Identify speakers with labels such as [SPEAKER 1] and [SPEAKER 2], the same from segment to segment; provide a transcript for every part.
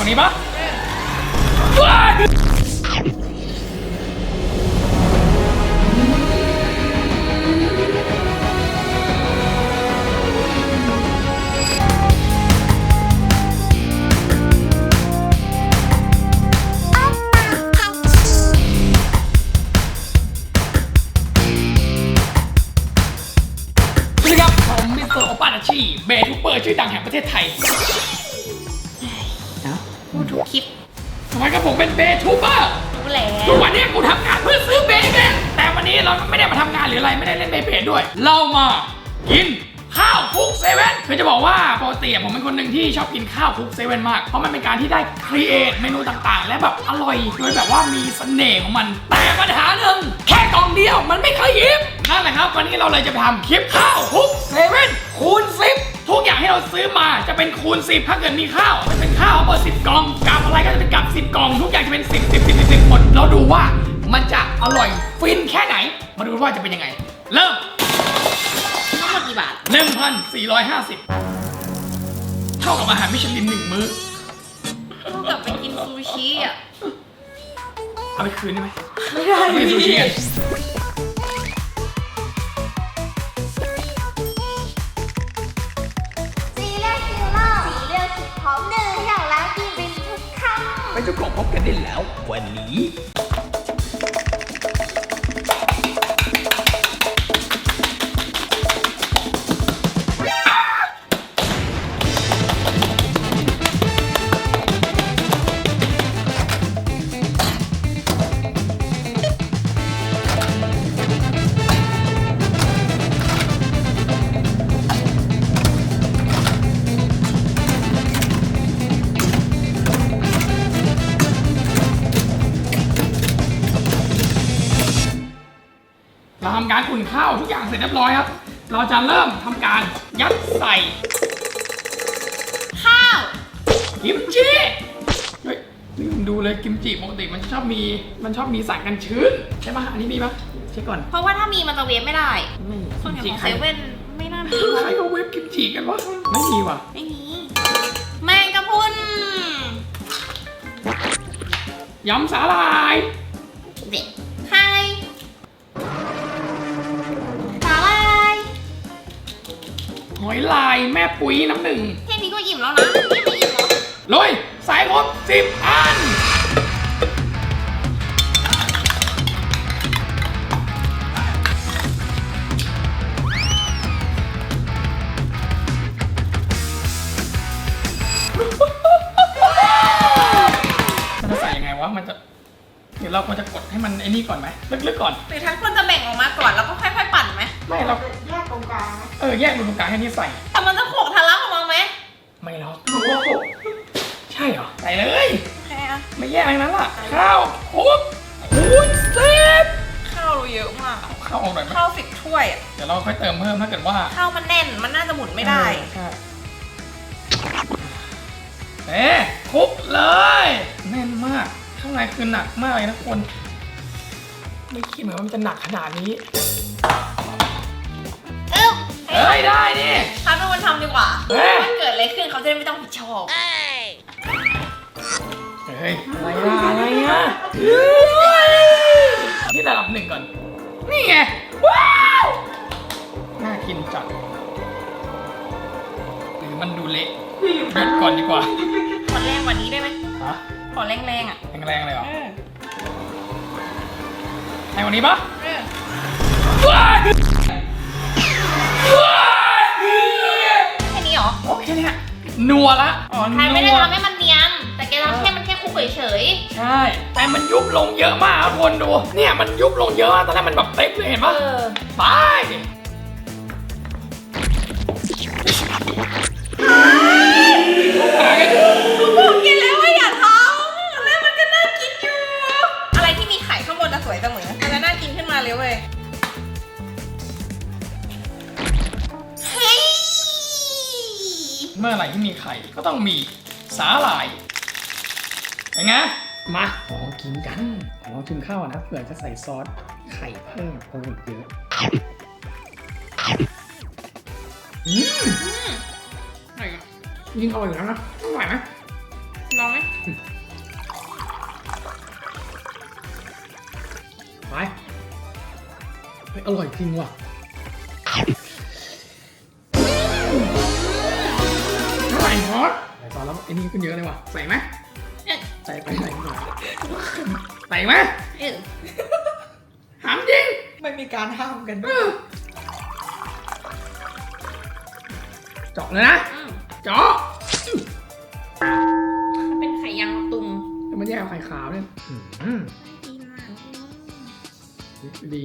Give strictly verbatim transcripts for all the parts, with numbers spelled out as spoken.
[SPEAKER 1] วันนี้ปะเบทูเปอร์ชื่อดังแห่งประเทศไทย
[SPEAKER 2] พูดทุกคลิป
[SPEAKER 1] ทำไมกับผมเป็นเบทูเปอร์
[SPEAKER 2] รู้แล้ว
[SPEAKER 1] ทุกวันนี้กูทำงานเพื่อซื้อเบเบแต่วันนี้เราไม่ได้มาทำงานหรืออะไรไม่ได้เล่นเบเบด้วยเรามากินข้าวคุกเซเว่นคือจะบอกว่าปกติผมเป็นคนหนึ่งที่ชอบกินข้าวคุกเซเว่นมากเพราะมันเป็นการที่ได้ครีเอทเมนูต่างๆและแบบอร่อยโดยแบบว่ามีเสน่ห์ของมันแต่ปัญหาหนึ่งแค่กล่องเดียวมันไม่เคยยิ้มนั่นแหละครับวันนี้เราเลยจะไปทำคลิปข้าวคุกเซเว่นคูณสิบทุกอย่างที่เราซื้อมาจะเป็นคูณสิบถ้าเกิดมีข้าวจะเป็นข้าวเบอร์สิบกล่องกับอะไรก็จะเป็นกับสิบกล่องทุกอย่างจะเป็นสิบสิบสิบสิบหมดเราดูว่ามันจะอร่อยฟินแค่ไหนมาดูว่าจะเป็นยังไงเริ่ม
[SPEAKER 2] ทั้งหมดกี่บาท
[SPEAKER 1] หนึ่งพันสี่ร้อยห้าสิบ เท่ากับอาหารมิชลินหนึ่งมื้อ
[SPEAKER 2] เท่ากับไปกินซูชิอ่ะ
[SPEAKER 1] เอาไปคืนได้ไหม
[SPEAKER 2] ไม่ได้
[SPEAKER 1] ไปซูชิกัน
[SPEAKER 3] สีเลือดคือหม้อสีเลือดคือพร้อมเดินอย่างร้านกินเป็นทุกคำ
[SPEAKER 1] ไปจะกล่องพบกันได้แล้ววันนี้เราทำการอุ่นข้าวทุกอย่างเสร็จเรียบร้อยครับเราจะเริ่มทำการยัดใส่
[SPEAKER 2] ข้าว
[SPEAKER 1] กิมจิเฮ้ยลืมดูเลยกิมจิปกติมันชอบมีมันชอบมีสารกันชื้นใช่ไหมอันนี้มีปะเช็คก่อน
[SPEAKER 2] เพราะว่าถ้ามีมันจะเวฟไม่ได้
[SPEAKER 1] ไม่
[SPEAKER 2] ส่วนใหญ่ของเซเว่นไม่น่ามี
[SPEAKER 1] ใครเขาเวฟกิมจิกันวะไม่มีว่ะ
[SPEAKER 2] ไม่มีแมงกะพรุน
[SPEAKER 1] ยำสาหร่าย
[SPEAKER 2] เด็ดไข่สาหร่าย
[SPEAKER 1] หอยลายแม่ปุ๋ยน้ำหนึ่ง
[SPEAKER 2] แค่นี้ก็อิ่มแล้วนะไม่ไม่อิ่มหรอ
[SPEAKER 1] เลยใส่ครบสิบอันมันจะใส่ยังไงวะมันจะเดี๋ยวเราควรจะกดให้มันไอ้นี่ก่อนไหมลึกๆก่อน
[SPEAKER 2] หรือทั้งคนจะแบ่งออกมาก่อนแล้วก็ค่อยๆปั่นไหม
[SPEAKER 1] ไม่เรา
[SPEAKER 3] แยกตรงกลาง
[SPEAKER 1] เออแยกตรงกลางแค่นี้ใส่
[SPEAKER 2] แต่มันจะโขกทะลักออกมาไหม
[SPEAKER 1] ไม่หรอกรู้ว่าโขกใช่เหรอใส่เลย
[SPEAKER 2] แค่อะ
[SPEAKER 1] ไม่แยกอะไรนั้นล่ะข้าวคลุกคูณสิบ
[SPEAKER 2] ข้าวเราเยอะมาก
[SPEAKER 1] ข้าวออกหน่อยไหม
[SPEAKER 2] ข้าวสิบถ้วย
[SPEAKER 1] เดี๋ยวเราค่อยเติมเพิ่มถ้าเกิดว่า
[SPEAKER 2] ข้าวมันแน่นมันน่าจะหมุนไม่ได้
[SPEAKER 1] ใช่เอ๊ะคลุกเลยแน่นมากข้างในคือหนักมากเลยนะคนไม่คิดเหมือนว่ามันจะหนักขนาดนี้
[SPEAKER 2] เอ้า
[SPEAKER 1] เฮ้ยได้ดิ
[SPEAKER 2] ทำให้มันทำดีกว่าถ้าเกิดอะไรขึ้นเขาจะได้ไม่ต้องผิดชอบ
[SPEAKER 1] เฮ้ยอะไรอะอะไรอะที่ระดับหนึ่งก่อนนี่ไงว้าวน่ากินจัดหรือมันดูเละหยุดก่อนดีกว่า
[SPEAKER 2] ขอแรงกว่านี้ได้ไหม
[SPEAKER 1] ฮะ
[SPEAKER 2] ขอแรงๆอ่ะ
[SPEAKER 1] แรงๆเลยเหรอแรงกว่านี้ปะ
[SPEAKER 2] แค่นี้เหรอ
[SPEAKER 1] โอเคเนี่ยนัวละ
[SPEAKER 2] อ๋อใครไม่ได้ทำให้มันเนียนแต่แกทำแค่มันแค่คุกเฉย
[SPEAKER 1] ๆใช่แต่มันยุบลงเยอะมากทุกคนดูเนี่ยมันยุบลงเยอะตอนแรกมันแบบเต็มเลยเห็นปะไป
[SPEAKER 2] บอกแกแล้วว่าอย่าทำแล้วมันก็น่ากินอยู่อะไรที่มีไข่ข้างบนจะสวยเสมอมันจะน่ากินขึ้นมาเลยเว้ย
[SPEAKER 1] เมื่อไหร่ที่มีไข่ก็ต้องมีสาหร่ายยังไงมาลองกินกันลองชิมข้าวนะเผื่อจะใส่ซอสไข่เพิ่มโอ้ยเยอะอืมอร่อยยิ่งอร่อยอยู่แล้วนะอร่อยไหม
[SPEAKER 2] ลองไหม
[SPEAKER 1] ไปเฮ้ยอร่อยจริงว่ะเท่าไหร่ฮอตใส่ตอนแล้วไอ้นี่ขึ้นเยอะเลยว่ะใส่ไหมใส่ไปใส่หน่อยใส่ไหม
[SPEAKER 2] เออ
[SPEAKER 1] ถามจริง
[SPEAKER 4] ไม่มีการห้ามกัน
[SPEAKER 1] เออเจาะเลยนะ
[SPEAKER 2] อืม
[SPEAKER 1] เจาะ
[SPEAKER 2] มันเป็นไข่ยางมะตุม
[SPEAKER 1] แล้วมันแยกเอาไข่ขาวเนี่ยอืม
[SPEAKER 2] ดีมาก
[SPEAKER 1] ดี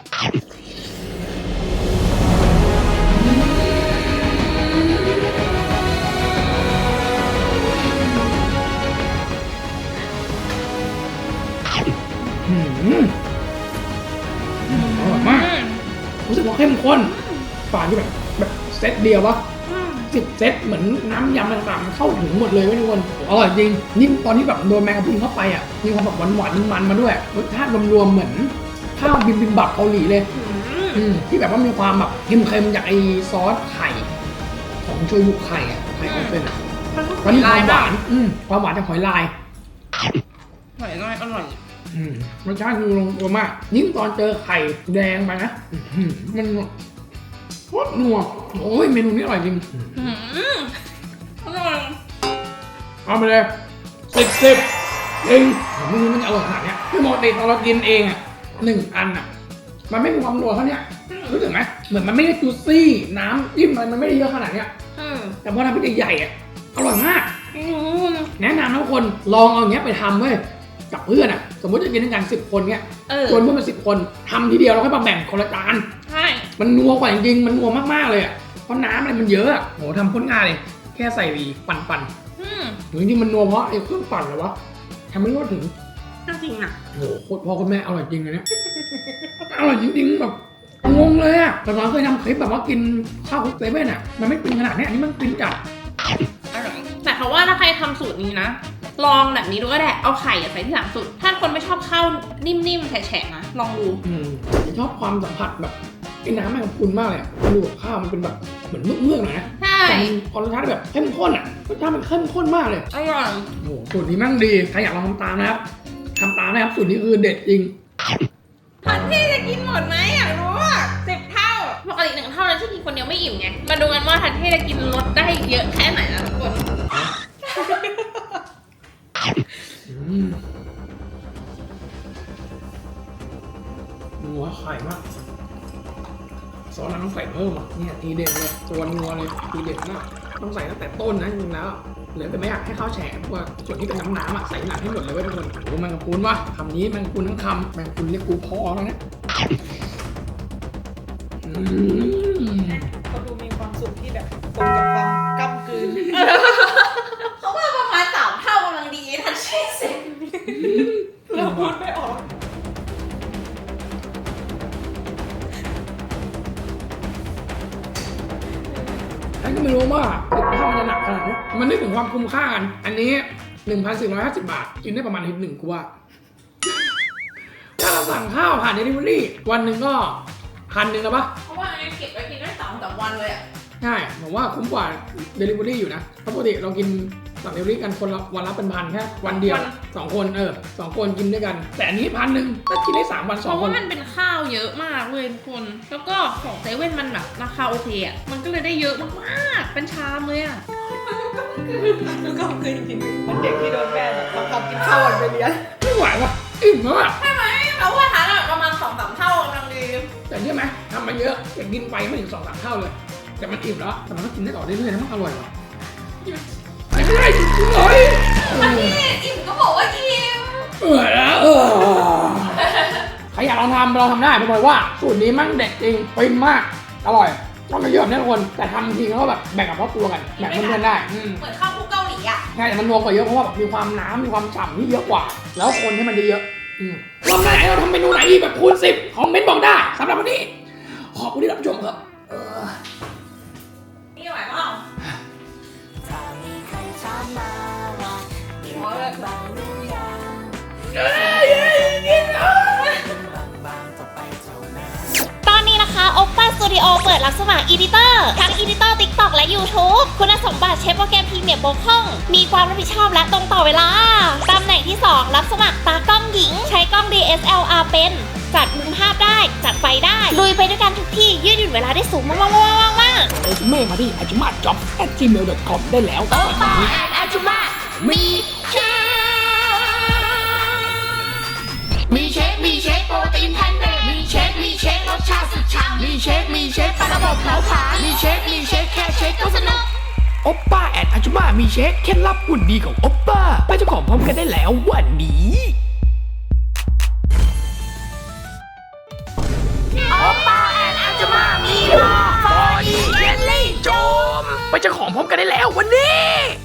[SPEAKER 1] อืมอร่อยมาก รู้สึกว่าเข้มข้นฝาที่แบบแบบเซตเดียววะ
[SPEAKER 2] อืม
[SPEAKER 1] สิบเซตเหมือนน้ำยำต่างๆมันเข้าถึงหมดเลยเว้ยทุกคนอร่อยจริงนี่ตอนที่แบบโดนแมงกะพรุนเข้าไปอ่ะมีความแบบหวานๆมันๆมาด้วยรสชาติรวมๆเหมือนข้าวบิมบิมบับเกาหลีเลย
[SPEAKER 2] อืม
[SPEAKER 1] อืมที่แบบว่ามีความแบบเค็มๆจากไอซอสไข่ของโชยุไข่อ่ะไข่ออนเซนอ่ะ
[SPEAKER 2] มันก็
[SPEAKER 1] แล้วมีความห
[SPEAKER 2] บ้าว
[SPEAKER 1] านอืมความหวานจากหอยลาย
[SPEAKER 2] หอยลายอร่อย
[SPEAKER 1] อืมรสชาติคือลงตัวมากยิ่งตอนเจอไข่แดงไปนะอื้อหือมันโคตรนัวโอ้ยเมนูนี้อร่อยจริง
[SPEAKER 2] อืมอร่อย
[SPEAKER 1] เอาไปเลยสิบสิบเองผมไม่รู้มันจะอร่อยขนาดเนี้ยคือปกติตอนเรากินเองอ่ะหนึ่งอันอ่ะ มันไม่มีความนัวเท่าเนี้ยรู้สึกไหมเหมือนมันไม่ได้จูซี่น้ำจิ้มมันมันไม่ได้เยอะขนาดเนี้ย
[SPEAKER 2] อืม
[SPEAKER 1] แต่พอทำเป็นใหญ่ๆอ่ะอร่อยมาก
[SPEAKER 2] อืม
[SPEAKER 1] แนะนำนะทุกคนลองเอาอย่างเงี้ยไปทำเว้ยกับเพื่อนอ่ะ สมมติจะกินด้วยกันสิบคนเนี้ย
[SPEAKER 2] เออ
[SPEAKER 1] ชวนเพื่อนมาสิบคนทำทีเดียวแล้วค่อยมาแบ่งคนละจาน
[SPEAKER 2] ใช่
[SPEAKER 1] มันนัวกว่าจริงๆมันนัวมากๆเลยอ่ะเพราะน้ำอะไรมันเยอะอ่ะโหทำโคตรง่ายเลยแค่ใส่ปั่นๆ
[SPEAKER 2] อืม
[SPEAKER 1] จริงๆมันนัวเพราะไอ้เครื่องปั่นเหรอวะทำไม่รู้ว่าถึง
[SPEAKER 2] จริงอ่ะ
[SPEAKER 1] โอ้โหโคตรพ่อคุณแม่อร่อยจริงเลยเนี่ยอร่อยจริงๆแบบงงเลยอะแต่เราเคยทำคลิปแบบว่ากินข้าวคลุกเซเว่นอะมันไม่กินขนาดเนี้ยอันนี้มันกินจัด
[SPEAKER 2] อร่อยแต่เขาว่าถ้าใครทำสูตรนี้นะ ลองแบบนี้ดูก็ได้ เอาไข่อะใส่ที่หลังสุด ถ้าคนไม่ชอบข้าวนิ่มๆแฉะๆนะ ลองดู
[SPEAKER 1] อืมชอบความสัมผัสแบบไอ้น้ำแมงกะพรุนมากเลยอะมันดูกับข้าวมันเป็นแบบเหมือนเมือกๆหน่อยนะ
[SPEAKER 2] ใช่
[SPEAKER 1] แต่พอรสชาติแบบเข้มข้นอะรสชาติมันเข้มข้นมากเลย
[SPEAKER 2] อร่อย
[SPEAKER 1] โอ้โหสูตรนี้แมั่งดีใครอยากลองทำตามนะครับทำตามนะครับสูตรนี้คือเด็ดจริง
[SPEAKER 2] ทันที่จะกินหมดไหมอยากรู้อ่ะสิบเท่า ปกติหนึ่งเท่านั้นที่กินคนเดียวไม่อิ่มไง มาดูกันว่าทันที่จะกินรสได้เยอะแค่ไหนนะทุกคน
[SPEAKER 1] อืมนัวไข่มากซอสนั้นต้องใส่เพิ่มอ่ะเนี่ยทีเด็ดเลยตัวนัวเลยทีเด็ดมากต้องใส่ตั้งแต่ต้นนะจริงๆแล้วเหลือแต่ไม่อยากให้ข้าวแฉะเพราะว่าส่วนที่เป็นน้ำน้ำๆอ่ะใส่หนักให้หมดเลยเว้ยทุกคนโอ้โหแมงกะพรุนวะคำนี้แมงกะพรุนทั้งคำแมงกะพรุนเรียกกูพ่อแล้วนะอืม
[SPEAKER 4] เขาดูมีความสุขที่แบบตรงกับความก้ำกลืน
[SPEAKER 2] เขาว่าประมาณสามเท่ากำลังดีทันที่สิบ
[SPEAKER 4] เราพูดไม่ออก
[SPEAKER 1] ฉันก็ไม่รู้ว่าข้าวมันจะหนักขนาดนี้มันนึกถึงความคุ้มค่ากันอันนี้ หนึ่งพันสี่ร้อยห้าสิบ บาท กินได้ประมาณอาทิตย์หนึ่งกูว่า ถ้าเราสั่งข้าวผ่านเดลิเวอรี่วันหนึ่งก็พันหนึ่งแล้วปะ
[SPEAKER 2] เพราะว่าอันนี้เก็บไว้กินได้สองสามวันเลยอ่ะ
[SPEAKER 1] ใช่ผมว่าคุ้มกว่าเดลิเวอรี่อยู่นะเพราะปกติเรากินสั่งเดลิเวอรี่กันคนละวันละเป็นพันแค่วันเดียวสองคนเออสองคนกินด้วยกัน แต่อันนี้พันหนึ่งก็กินได้สามวัน
[SPEAKER 2] เพ
[SPEAKER 1] สอง
[SPEAKER 2] ราะ
[SPEAKER 1] ค
[SPEAKER 2] ว่าน มันเป็นข้าวเยอะมากเลยทุกคน แล้วก็ของเซเว่นมันแบบราคาโอเคอ่ะ มันก็เลยได้เยอะมากๆ เป็นชามเลยอ่ะ
[SPEAKER 4] แล้วก็คือจริงๆมันเด็กที่โดนแม่แบบบังคับกินข้าววันไปเรียน
[SPEAKER 1] ไม่ไหวว่ะอิ่มแล้วอ่ะ
[SPEAKER 2] ใช่ไหมเราว่าทานแบบประมาณสองสามเท่ากำลังดี
[SPEAKER 1] แต่เชื่อไหมทำมาเยอะแต่กินไปไม่ถึงสองสามเท่าเลย แต่มันอิ่มแล้วแต่มันก็กินได้ต่อเรื่อยๆนะมันอร่อยว่ะไม่ได้จริงๆเลย
[SPEAKER 2] มันนี่อิ่มก็บอกว่าอิ่ม
[SPEAKER 1] เออแล้วเออใครอยากลองทำเราทำได้ผมบอกว่าสูตรนี้มั่งเด็ดจริงฟินมากอร่อยต้องมาเยอะแบบนี้ทุกคนแต่ทำจริงแล้วก็แบบแบ่งกับครอบครัวกันแบ่งเพื่อนๆได้อืม
[SPEAKER 2] เหมือนข้าวคลุกเกาหลีอ่ะ
[SPEAKER 1] ใช่แต่มันนัวกว่าเยอะเพราะว่าแบบมีความน้ำมีความฉ่ำที่เยอะกว่า แล้วคนให้มันเยอะๆอืมรอบหน้าเราทำเมนูไหนอีกแบบคูณสิบคอมเมนต์บอกได้สำหรับวันนี้ขอบคุณที่รับชมครับเออ
[SPEAKER 2] นี่ไหวเปล่าหัวเลย
[SPEAKER 3] ตอนนี้นะคะ Oppa Studio เปิดรับสมัครอีดิเตอร์ทั้งอีดิเตอร์ TikTok และ YouTube คุณสมบัติใช้โปรแกรม พีเนี่ยโบคล่องมีความรับผิดชอบและตรงต่อเวลาตำแหน่งที่สองรับสมัครตากล้องหญิงใช้กล้อง ดี เอส แอล อาร์ เป็นจัดมุมภาพได้จัดไฟได้ลุยไปด้วยกันทุกที่ยืดหยุ่นเวลาได้สูงมากๆๆๆๆ
[SPEAKER 1] เรซูเม่มาที่ อาจุมาจ็อบ แอท จีเมล ดอท คอม ได้แล้ว
[SPEAKER 3] โอป้าแอนอาจุมามีเชฟ
[SPEAKER 1] มีเชค มีเชคโปรตีนแพนเนตมีเชค มีเชครสชาติสุดฉ่ำมีเชค มีเชคปลาระบบเผาผลาญมีเชค มีเชคแค่เชคก็สนุกโอปป้าแอนอาจุมามีเชคเคล็ดลับหุ่นดีของโอปป้าไปเจ้าของพร้อมกันได้แล้ววันนี้โอปป้าแอนอาจุมามีลาฟอร์อีเยลลี่โจมไปเจ้าของพร้อมกันได้แล้ววันนี้